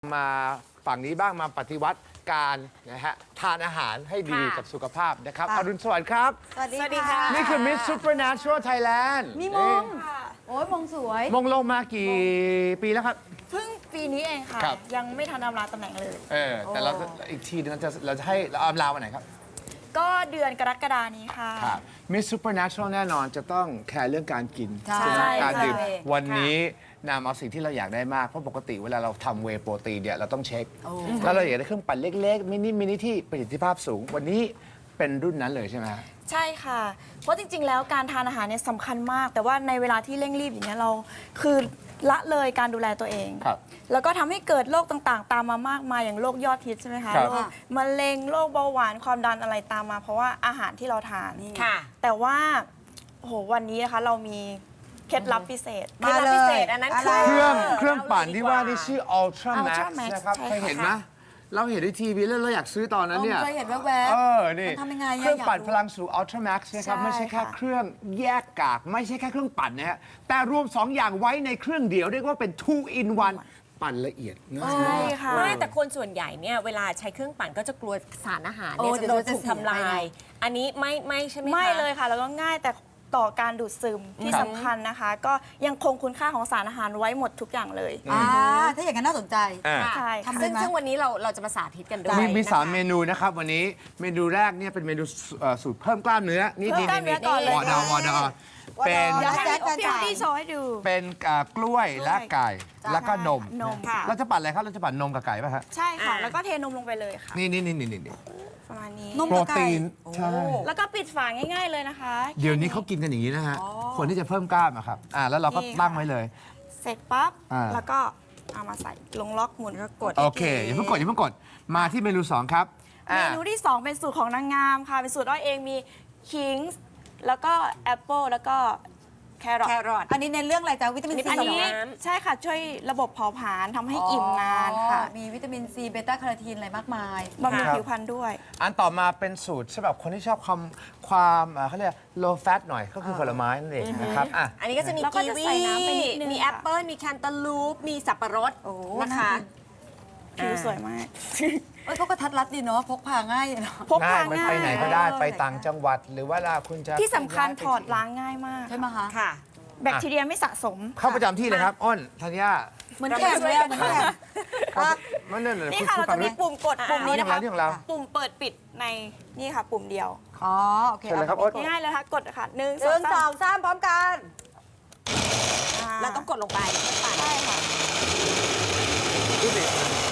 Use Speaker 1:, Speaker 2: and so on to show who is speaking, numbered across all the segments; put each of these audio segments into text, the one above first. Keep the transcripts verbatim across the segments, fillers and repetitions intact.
Speaker 1: มาฝั่งนี้บ้างมาปฏิวัติการนะฮะทานอาหารให้ดีกับสุขภาพนะครับอรุณสวัสดิ์ครับ
Speaker 2: สวัสดีค่ะ
Speaker 1: นี่คือ Miss Supernatural Thailand
Speaker 2: มีมงโอ้ยมงสวย
Speaker 1: มงลงมากี่ปีแล้วครับ
Speaker 3: เพิ่งปีนี้เองค่ะ
Speaker 1: ครับ
Speaker 3: ยังไม่ทันอำลาตำแหน่งเลย
Speaker 1: เออแต่เราอีกทีนึงเราจะเราจะให้เราอำลาวันไหนครับ
Speaker 3: ก็เดือนกรกฎานี้ค่ะ
Speaker 1: ครับ Miss Supernatural แน่นอนจะต้องแคร์เรื่องการกิน
Speaker 2: ใช่
Speaker 1: ไหมการดื่ม
Speaker 2: ใช่
Speaker 1: วันนี้นำเอาสิ่งที่เราอยากได้มาก เพราะปกติเวลาเราทำเวย์โปรตีนเนี่ยเราต้องเช็ค แล้วเราอยากได้เครื่องปั่นเล็กๆ มินิมินิที่ประสิทธิภาพสูง วันนี้เป็นรุ่นนั้นเลยใช่ไหมฮะ
Speaker 3: ใช่ค่ะ เพราะจริง ๆ แล้วการทานอาหารเนี่ยสำคัญมาก แต่ว่าในเวลาที่เร่งรีบอย่างเงี้ยเราคือละเลยการดูแลตัวเอง
Speaker 1: ครับ
Speaker 3: แล้วก็ทำให้เกิดโรคต่างๆ ตามมามากมายอย่างโรคยอดฮิตใช่ไหมคะ
Speaker 1: ครับ
Speaker 3: โรคมะเร็งโรคเบาหวานความดันอะไรตามมา เพราะว่าอาหารที่เราทาน
Speaker 4: ค่ะ
Speaker 3: แต่ว่าโอ้โหวันนี้นะคะเรามีเคล็ดลับพิเศษ
Speaker 2: มาเลย
Speaker 4: พิเศษอันนั้นคือ
Speaker 1: เครื่อง
Speaker 4: เออ
Speaker 1: เครื่องปั่นที่ว่านี่
Speaker 4: เล่เลยดีก
Speaker 1: ชื่อ Ultra Max
Speaker 3: Ultra Max
Speaker 1: นะครับ
Speaker 3: ใช่
Speaker 1: เคยเห็น
Speaker 3: ค่ะ
Speaker 1: ไหมเราเห็นในทีวีแล้วเราอยากซื้อตอนนั้นเนี่ย
Speaker 2: เคยเห็นแวบ
Speaker 1: เออ นี่
Speaker 2: มันทำยังไงอะ
Speaker 1: เครื่องปั่น
Speaker 2: อยากรู้
Speaker 1: พลังสู่ Ultra Max นะครับ
Speaker 3: ใช่
Speaker 1: ไม่ใช่แค่
Speaker 3: ค่ะ
Speaker 1: เครื่องแยกกาก ไม่ใช่แค่เครื่องปั่นนะฮะ แต่รวม สอง อย่างไว้ในเครื่องเดียว เรียกว่าเป็น two in one ปั่นละเอียดง่าย
Speaker 3: ใช่
Speaker 1: มาก
Speaker 3: ค่ะ
Speaker 4: ไม่แต่คนส่วนใหญ่เนี่ยเวลาใช้เครื่องปั่นก็จะกลัวสารอาหาร
Speaker 2: โอ้
Speaker 4: เนี่ย
Speaker 2: เดี๋
Speaker 4: จะ
Speaker 2: ยว
Speaker 4: โดนถูก
Speaker 2: จะเสีย
Speaker 4: ทำลา
Speaker 2: ไป
Speaker 4: ย
Speaker 2: ไง
Speaker 4: อันนี้ไม่ไม่ใช่ไหมคะ
Speaker 3: ไม่เลยค่ะ แล้วก็ง่ายแต่ต่อการดูดซึมที่
Speaker 1: ครับ
Speaker 3: สำคัญนะคะ ก็ยังคงคุณค่าของสารอาหารไว้หมดทุกอย่างเลย
Speaker 2: อ่าถ้าอย่างนั้นน่าสนใจ
Speaker 1: อ่า
Speaker 4: ค่ะ
Speaker 3: ใช่
Speaker 2: ทำ
Speaker 3: ค่ะ
Speaker 2: ได้
Speaker 4: ซึ่ง
Speaker 2: ไหม
Speaker 4: ซึ่งวันนี้เราเราจะมาสาธิตกันด้วย
Speaker 1: มีมีสาม
Speaker 4: นะคะ
Speaker 1: เมนูนะครับ วันนี้เมนูแรกเนี่ยเป็นเมนูเอ่อสูตรเพิ่มกล้ามเนื้อ นี่
Speaker 3: เพิ่มกล้ามเนื้อก่อนเลย
Speaker 1: วอดอวอดอเป็น
Speaker 3: เดี๋ยวให้
Speaker 2: แจ๊คจะ
Speaker 3: พี่
Speaker 2: จ่าย
Speaker 3: พี่โชว์ให้ดู
Speaker 1: เป็นอ่ากล้วยและไก่ แล้วก็นม
Speaker 3: นม
Speaker 4: ค่ะ
Speaker 1: เราจะปั่นอะไรครับ เราจะปั่นนมกับไก่ป่ะฮะ
Speaker 3: ใช่ค่ะ
Speaker 4: อ่า
Speaker 3: แล้วก็เทนมลงไปเลยค่ะ
Speaker 1: นี่นี่นี่นี่นี่
Speaker 3: ประมาณนี้
Speaker 2: นม
Speaker 1: โปรตีน ใช่
Speaker 3: แล้วก็ปิดฝาง่ายๆเลยนะคะ
Speaker 1: เดี๋ยวนี้เขากินกันอย่างนี้นะฮะ คนที่จะเพิ่มกล้ามอะครับ อ่า แล้วเราก็ตั้งไว้เลย
Speaker 3: เสร็จปั๊บ
Speaker 1: อ่า
Speaker 3: แล้วก็เอามาใส่ลงล็อกหมุนก็กด
Speaker 1: โอเค อย่าเพิ่งกด อย่าเพิ่งกด มาที่เมนูสองครับ
Speaker 3: เมนูที่สองเป็นสูตรของนางงามค่ะ เป็นสูตรอ้อยเองมีคิงส์แล้วก็แอปเปิลแล้วก็แครอท
Speaker 4: แครอท
Speaker 2: อันนี้ในเรื่องอะไรจ๊ะวิตามิน
Speaker 4: อั
Speaker 2: ซี
Speaker 3: อันนี้
Speaker 4: น้ำ
Speaker 3: ใช่ค่ะ ช่วยระบบเผาผลาญทำให้อิ่มนานค่ะ
Speaker 2: อ๋อมีวิตามินซีเบต้าแคโรทีนอะไรมากมาย
Speaker 3: บำรุง
Speaker 1: ครับ
Speaker 3: ผิวพรรณด้วย
Speaker 1: อันต่อมาเป็นสูตรสำหรับคนที่ชอบความความอ่าเขาเรียก low fat หน่อย ก็คือผลไม้นั่นเองนะครับ อ่ะ
Speaker 4: อันนี้ก็จะมี
Speaker 3: แล้วก็
Speaker 4: กี
Speaker 3: จะ
Speaker 4: วี
Speaker 3: ใส่น้ำไปนิดนึง
Speaker 4: มี
Speaker 3: ค่ะ
Speaker 4: แอปเปิ้ลมีแคนตาลูป มีสับปะรด
Speaker 2: โอ้
Speaker 4: นะคะ
Speaker 3: ผิวสวยมาก
Speaker 2: เอ้ยพวกกระทัดรัดดีเนาะพกพาง่ายเนาะ
Speaker 3: พก
Speaker 1: ง่า
Speaker 3: พาย
Speaker 1: มัน
Speaker 3: ง่าย
Speaker 1: ไปไหนก็ได้ ไปต่างจังหวัด หรือว่าเราคุณจะ
Speaker 3: ที่สำคัญ
Speaker 1: ไป
Speaker 3: ถอดล้างง่ายมาก
Speaker 2: ใช่ไหมคะ
Speaker 4: ค่ะ
Speaker 3: แบคทีเรียไม่สะสม
Speaker 1: เข้าประจำที่เลยครับ อ้นธัญญา
Speaker 2: เหมือนแข่งเลยอะเหมือนแข่งอ่ะ
Speaker 1: มันนั่นเลย
Speaker 3: นี่
Speaker 1: คุณ
Speaker 3: ค่ะ
Speaker 1: คุณ
Speaker 3: เรา
Speaker 1: ฟั
Speaker 3: จะ
Speaker 1: ง
Speaker 3: มี
Speaker 1: ดิ
Speaker 3: ปุ่มกดปุ่มนี้นะคะ
Speaker 1: นี่ของเรา
Speaker 3: ปุ่มเปิดปิดในนี่ค่ะ ปุ่มเดียว
Speaker 2: อ๋อโอเค
Speaker 1: เชิญเลยครับโอ๊ต
Speaker 3: ง่ายๆเลยค่ะกดค่ะหนึ่ง
Speaker 2: หนึ่งส
Speaker 3: ส
Speaker 2: อ
Speaker 3: อง
Speaker 2: งสามพร้อมกัน
Speaker 4: เราต้องกดลงไปปั่น
Speaker 3: ใช่ค่ะ
Speaker 1: ดูสิ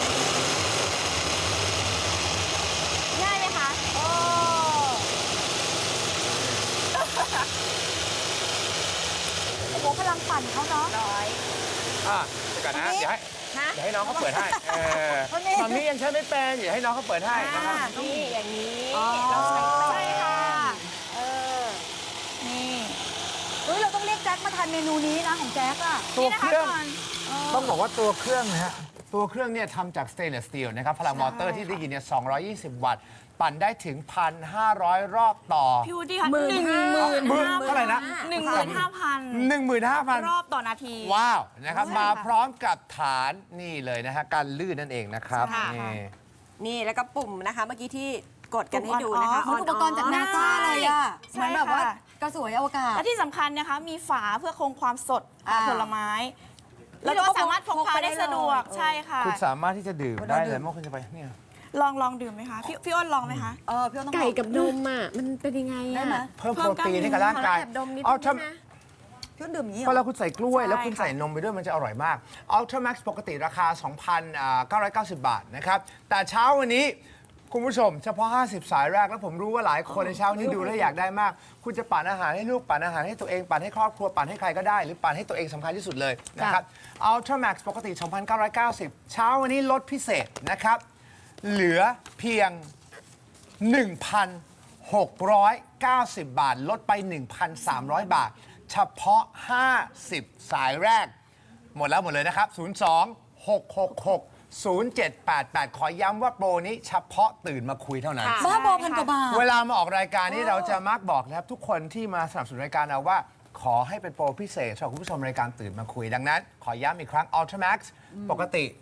Speaker 3: ง่ายไหมคะ
Speaker 2: โอ้ โอ้โหพลังปั่นเขาเนาะ
Speaker 3: ร้อย
Speaker 1: อ่ะเดี๋ยวก่อนนะ
Speaker 2: อันนี้
Speaker 1: เดี๋ยวให้
Speaker 4: ฮะ
Speaker 1: เดี๋ยวให้น้องเขาเปิดให้เออ
Speaker 2: อันนี้
Speaker 1: ตอนนี้ยังใช้ไม่เป็นเดี๋ยวให้น้องเขาเปิดให้นะครับ
Speaker 4: นี่อย่างนี้
Speaker 2: อ๋อ
Speaker 4: เราใช้
Speaker 3: ใช่ค่ะ
Speaker 2: เออ
Speaker 3: นี่
Speaker 2: เฮ้ยเราต้องเรียกแจ็คมาทานเมนูนี้นะของแจ็คอะ
Speaker 1: ตัว
Speaker 3: นี่นะ
Speaker 1: เค
Speaker 3: คะ
Speaker 1: รื่อง
Speaker 3: ก่อน
Speaker 1: ต้องบอกว่าตัวเครื่องนะฮะ ตัวเครื่องเนี่ยทำจากสเตนเลสสตีลนะครับ พลังมอเตอร์ที่ได้ยินเนี่ยสองร้อยยี่สิบ วัตต์ ปั่นได้ถึง หนึ่งพันห้าร้อย รอบต่อ
Speaker 3: พี่วูดดี้ค่ะ
Speaker 4: หมื่น
Speaker 3: หนึ่ง
Speaker 4: ห้า
Speaker 3: หมื่น
Speaker 1: หมื่น
Speaker 3: ห้า
Speaker 1: เท่าไหร่นะ
Speaker 3: หนึ่งหมื่นห้าพัน
Speaker 1: หนึ่งหมื่นห้าพัน
Speaker 3: รอบต่อนาที
Speaker 1: ว้าว นะครับ
Speaker 3: ใช่
Speaker 1: มา
Speaker 3: ค่ะ
Speaker 1: พร้อมกับฐานนี่เลยนะฮะ การลื่นนั่นเองนะครับ
Speaker 3: ใช่ค่ะ
Speaker 1: นี่
Speaker 4: นี่แล้วก็ปุ่มนะคะ เมื่อกี้ที่กดกันให้ดู
Speaker 3: ปุ่ม
Speaker 4: นะคะ
Speaker 2: เหมือนอุปกรณ์จากนาซาเลยอะ
Speaker 3: ใช่
Speaker 2: เหมือนแบบว่า
Speaker 3: ค่ะ
Speaker 2: กระสวยอวกาศ
Speaker 3: และที่สำคัญนะคะ มีฝาเพื่อคงความสด
Speaker 2: อ่า
Speaker 3: ผลไม้
Speaker 2: นี่
Speaker 3: แล้วก็
Speaker 2: เราก็
Speaker 3: สามารถพก
Speaker 2: พก
Speaker 3: พา
Speaker 2: ไปได้
Speaker 3: ได้สะดวก
Speaker 2: เลย
Speaker 3: ใช่ค่ะ
Speaker 1: คุณสามารถที่จะดื่ม
Speaker 2: เวลา
Speaker 1: ได้
Speaker 2: ดื่
Speaker 1: เลย
Speaker 2: ม
Speaker 1: เมื่อคุณจะไปเนี่ย
Speaker 3: ลองลองดื่มไหมคะ พี่พี่อ้นลองไหมคะ
Speaker 2: เออพี่อ้นต้อง
Speaker 4: ไก่
Speaker 2: ลอง
Speaker 4: กับนมอ่ะ มันเป็นยังไง
Speaker 2: ได้
Speaker 4: อ่ะ
Speaker 2: ไหม
Speaker 1: เพิ่มโปรตีนให้กับร่างกาย
Speaker 4: ขอแอบดมนิด
Speaker 1: เอา
Speaker 4: นึง
Speaker 1: ทำ
Speaker 4: นะ
Speaker 2: พี่อ้นดื่มอย่างนี้เห
Speaker 1: พ
Speaker 2: ร
Speaker 1: อ
Speaker 2: อ
Speaker 1: เราคุณใส่กล้วย
Speaker 3: ใช่
Speaker 1: แล้วคุณ
Speaker 3: ค่ะ
Speaker 1: ใส่นมไปด้วยมันจะอร่อยมาก Ultra Max ปกติราคา สองพันเก้าร้อยเก้าสิบ บาทนะครับ แต่เช้าวันนี้คุณผู้ชมเฉพาะ ห้าสิบ สายแรกแล้วผมรู้ว่าหลายคนในเช้านี้ดูแล้วอยากได้มาก คุณจะปั่นอาหารให้ลูกปั่นอาหารให้ตัวเองปั่นให้ครอบครัวปั่นให้ใครก็ได้ หรือปั่นให้ตัวเองสำคัญที่สุดเลยนะครับ Ultra Max ปกติ สองพันเก้าร้อยเก้าสิบ เช้าวันนี้ลดพิเศษนะครับ เหลือเพียง หนึ่งพันหกร้อยเก้าสิบ บาท ลดไป หนึ่งพันสามร้อย บาท เฉพาะ ห้าสิบ สายแรก หมดแล้วหมดเลยนะครับ ศูนย์ สอง หก หก หก ศูนย์ เจ็ด แปด แปด ขอย้ำว่าโปรนี้เฉพาะตื่นมาคุยเท่านั้น
Speaker 4: ค่ะ
Speaker 2: บ้าบอพันกว่าบาท
Speaker 1: เวลามาออกรายการนี้เราจะมักบอกนะครับ ทุกคนที่มาสนับสนุนรายการเราว่า ขอให้เป็นโปรพิเศษสำหรับคุณผู้ชมรายการตื่นมาคุยดังนั้น ขอย้ำอีกครั้ง Ultra Max ปกติ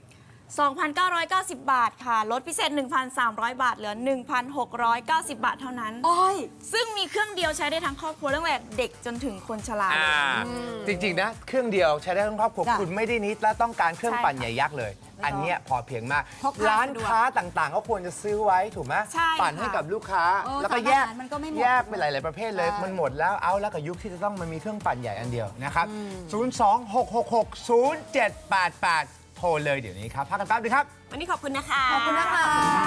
Speaker 3: สองพันเก้าร้อยเก้าสิบ บาทค่ะ ลดพิเศษ หนึ่งพันสามร้อย บาท เหลือ หนึ่งพันหกร้อยเก้าสิบ บาทเท่านั้น
Speaker 2: อ้อย
Speaker 3: ซึ่งมีเครื่องเดียวใช้ได้ทั้งครอบครัวตั้งแต่เด็กจนถึงคนชรา
Speaker 1: อ่าจริงๆนะเครื่องเดียวใช้ได้ทั้งครอบครัว
Speaker 2: จ้ะ
Speaker 1: คุณไม่ได้นิดและต้องการเครื่อง
Speaker 3: ใช่
Speaker 1: ปั่นใหญ่ยักษ์เลย อันเนี้ยพอเพียงมาก
Speaker 2: พกพา
Speaker 1: ร้าน
Speaker 2: สะดวก
Speaker 1: ค้าต่างๆ ก็ควรจะซื้อไว้ถูกไหม
Speaker 3: ใช่
Speaker 1: ปั่นให้
Speaker 3: ค่ะ
Speaker 1: กับลูกค้า
Speaker 2: เออ
Speaker 1: แล้วก็
Speaker 2: สาร
Speaker 1: แยก
Speaker 2: อาหารมันก็ไม่หมด
Speaker 1: แยกเป็นหลายๆประเภทเลย
Speaker 2: ใช่
Speaker 1: มันหมดแล้วเอาแล้วกับยุคที่จะต้องมันมีเครื่องปั่นใหญ่อันเดียวนะครับศูนย์ สอง หก หก หก ศูนย์ เจ็ด แปด แปด โทรเลยเดี๋ยวนี้ครับพักกันแป๊บนึงครับ
Speaker 4: วันนี้ขอบคุณนะคะ
Speaker 2: ขอบคุณนะคะ